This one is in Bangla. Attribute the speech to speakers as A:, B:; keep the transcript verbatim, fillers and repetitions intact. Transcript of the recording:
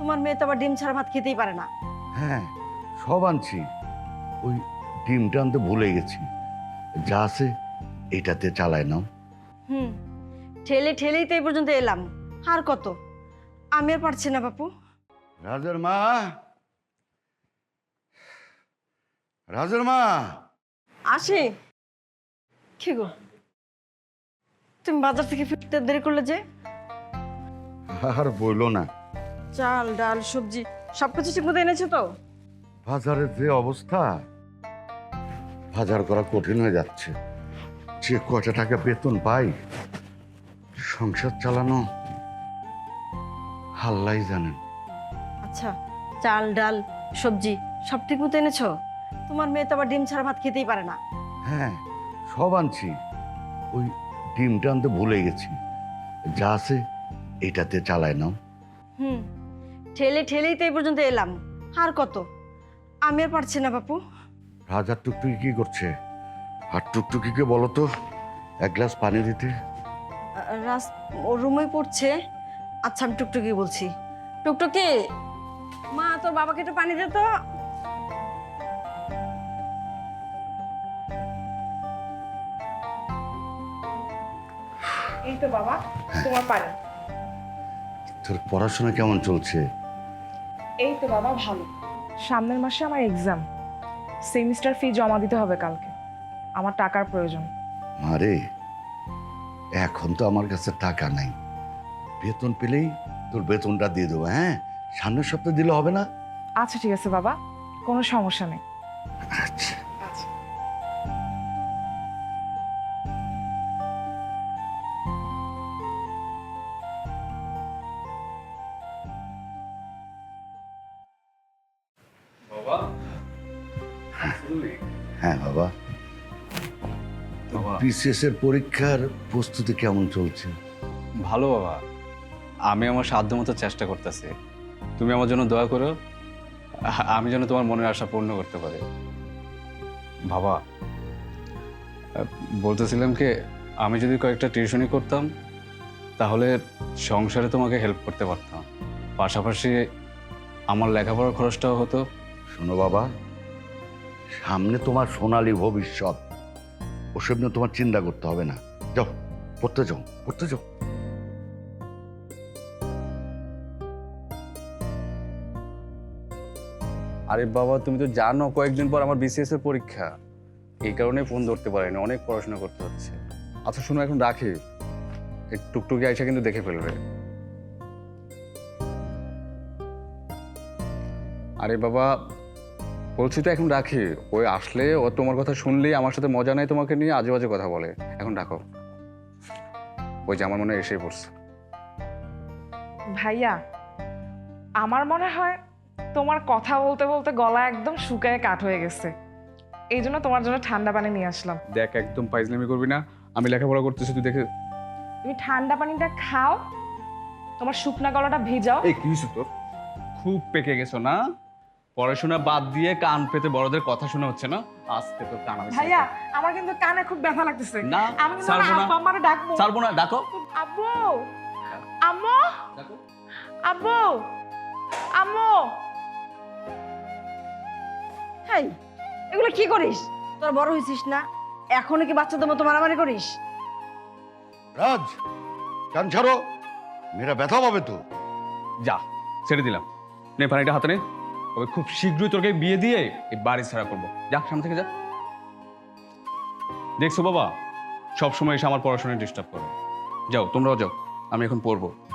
A: তোমার মেয়ে তো আবার ডিম ছাড়া ভাত খেতেই পারে না।
B: হ্যাঁ, সব আনছি। ওই ডিমটা আনতে ভুলে গেছি। যা আছে এটাতে চালায় নাও।
A: হুম, ঠেলে ঠেলেই তো এই পর্যন্ত এলাম, আর কত? আমি আর পারছি না বাপু।
B: রাজের মা, রাজের মা।
A: আসি। কি গো, তুমি বাজার থেকে ফিরতে দেরি করলে যে?
B: আর বইলো না,
A: চাল ডাল সবজি সবকিছু ঠিক মতো এনেছো তো?
B: বাজারের যে অবস্থা, বাজার করা কঠিন হয়ে যাচ্ছে। যে কয়টা টাকা বেতন পাই, সংসার চালানো আল্লাহই জানেন।
A: আচ্ছা, চাল ডাল সবজি সব ঠিক মতো এনেছো? তোমার মেয়ে তো আবার ডিম ছাড়া ভাত খেতেই পারে না।
B: হ্যাঁ, সব আনছি। ওই ডিমটা আনতে ভুলে গেছি। যা আছে এটাতে চালায় নাও।
A: হুম, ঠেলে ঠেলেই তো এই পর্যন্ত এলাম, আর কত? আমি আর পারছি না বাপু।
B: রাজার টুকটুকি কি করছে? আর টুকটুকিকে বলো তো এক গ্লাস পানি দিতে।
A: আহ, রাস ওর রুমে পড়ছে। আচ্ছা, আমি টুকটুকি বলছি। টুকটুকি, মা তোর বাবাকে একটু পানি দে তো।
C: এই তো বাবা, তোমার পানি।
B: তোর পড়াশোনা কেমন চলছে?
C: এই তো বাবা ভালো। সামনের মাসে আমার এক্সাম, সেমিস্টার ফি জমা দিতে হবে কালকে। আমার টাকার প্রয়োজন।
B: মারে, এখন তো আমার কাছে টাকা নাই। বেতন পেলেই তোর বেতনটা দিয়ে দেবো। হ্যাঁ, সামনের সপ্তাহে দিলে হবে না?
C: আচ্ছা ঠিক আছে বাবা, কোনো সমস্যা নেই।
B: আচ্ছা।
C: আচ্ছা।
D: বাবা,
B: হ্যাঁ বাবা,
D: বাবা।
B: বিসিএস এর পরীক্ষার প্রস্তুতি কেমন চলছে?
D: ভালো বাবা, আমি আমার সাধ্য মতো চেষ্টা করতেছি। তুমি আমার জন্য দোয়া করো, আ- আমি যেন তোমার মনের আশা পূর্ণ করতে পারি। বাবা, আহ, বলতেছিলাম কি, আমি যদি কয়েকটা টিউশনি করতাম তাহলে সংসারে তোমাকে হেল্প করতে পারতাম, পাশাপাশি আমার লেখাপড়ার খরচটাও হতো।
B: শোনো বাবা, সামনে তোমার সোনালী ভবিষ্যৎ, ওসব নিয়ে তোমার চিন্তা করতে হবে না। যাও পড়তে যাও, পড়তে যাও।
D: আরে বাবা, তুমি তো জানো কয়েকদিন পর আমার বিসিএস এর পরীক্ষা, এই কারণে ফোন ধরতে পারিনি, অনেক পড়াশোনা করতে হচ্ছে। আচ্ছা শোনো, এখন রাখি, এই টুকটুকি আইসা কিন্তু দেখে ফেলবে। আরে বাবা, বলছি তো এখন রাখি, ওই আসলে ও তোমার কথা শুনলেই আমার সাথে মজা নাই, তোমাকে নিয়ে আজে বাজে কথা বলে। এখন রাখো, ওই যে আমার মনে হয় এসেই পড়ছে।
C: ভাইয়া, আমার মনে হয় তোমার কথা বলতে বলতে গলা একদম শুকায় কাঠ হয়ে গেছে, এই জন্য তোমার জন্য ঠান্ডা পানি নিয়ে আসলাম।
D: দেখ, একদম ফাইজলামি করবি না, আমি লেখাপড়া করতেছি, তুই দেখে।
C: তুমি ঠান্ডা পানিটা খাও, তোমার শুকনা গলাটা ভিজাও।
D: এই কি হয়েছে তোর? খুব পেকে গেছো না? পড়াশোনা বাদ দিয়ে কান পেতে বড়দের কথা শোনা হচ্ছে না? আজকে তো কান।
C: ভাইয়া, আমার কিন্তু কানে খুব ব্যথা লাগতেছে।
D: না,
C: আমি কিন্তু
D: ছাড়বো না।
C: আব্বু আমারে ডাকবো।
D: ছাড়বো না, ডাকো।
C: আব্বু, আম্মু,
D: ডাকো।
C: আব্বু, আম্মু।
A: হেই, এগুলো কি করিস? তোর বড় হয়েছিস না, এখনো কি বাচ্চাদের মতো মারামারি করিস?
B: রাজ, কান ছাড়ো, মেয়েরা ব্যথা পাবে তো।
D: যা, ছেড়ে দিলাম। নে পানিটা হাতে নে, তবে খুব শীঘ্রই তোকে বিয়ে দিয়ে এই বাড়ি ছাড়া করবো। যা, সামনে থেকে যা। দেখছো বাবা, সবসময় এসে আমার পড়াশোনায় ডিস্টার্ব করো। যাও, তোমরাও যাও, আমি এখন পড়বো।